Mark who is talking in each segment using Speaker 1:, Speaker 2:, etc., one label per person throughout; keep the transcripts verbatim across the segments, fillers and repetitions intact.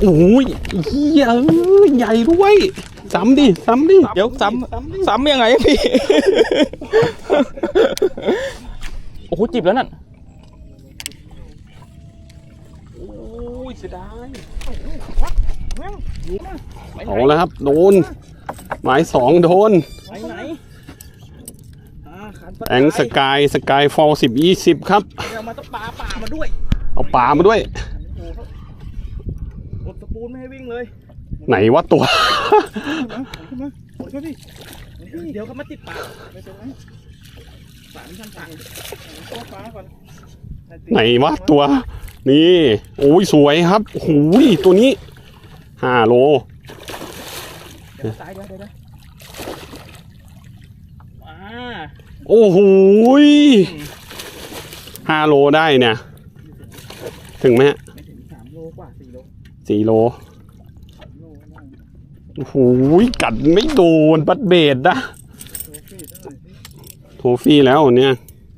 Speaker 1: โอ้ยเฮียใหญ่ด้วยซ้ำดิซ้ำดิ
Speaker 2: เดี๋ยวซ้ำซ้ำยังไงพี่ โอ้โหจิบแล้วนั่น
Speaker 1: โอ้ยเสียดายเอาแล้วครับโดนหมายสองโดน
Speaker 2: ไปไหน
Speaker 1: แองสกายสกายฟอลสิบยี่สิบครับ
Speaker 2: เอามาต้องปลาป่ามาด้วย
Speaker 1: เอาปลามาด้วย
Speaker 2: กดสปูนไม่ให้วิ่งเลย
Speaker 1: ไหนวะตัว
Speaker 2: ขึ้นมาขึ้นมาพี่เดี๋ยวเขามาติดปากไม่เป็นไรสามชั้นต่างตัวฟ้าก่อน
Speaker 1: ไหนวะตัวนี่โอ้ยสวยครับโอ้ยตัวนี้ห้าโล
Speaker 2: เดี๋ยวตายเดี๋ยวเดี๋ยวอ่า
Speaker 1: โอ้โหห้าโลได้เนี่ยถึงไหมฮะ
Speaker 2: ไม่ถึงสามโลกว่าสี่โล
Speaker 1: สี่โลโอ้โหกัดไม่โดนบัดเบดนะโทฟี่แล้วเนี่ย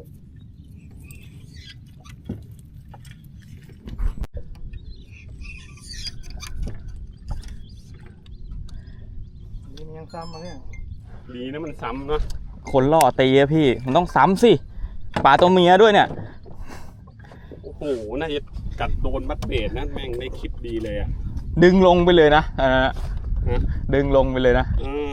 Speaker 2: นี่มันยังซ้ำมาเนี่ย
Speaker 1: ดีนะมันซ้ำเนาะ
Speaker 2: คนล่อตีอะพี่มันต้องซ้ำสิปลาตัวเมียด้วยเนี่ย
Speaker 1: โอ้โหน่าจะกัดโดนบัดเบดนะแม่งได้คลิปดีเลยอะ
Speaker 2: ดึงลงไปเลยนะอ่าดึงลงไปเลยนะ
Speaker 1: อืม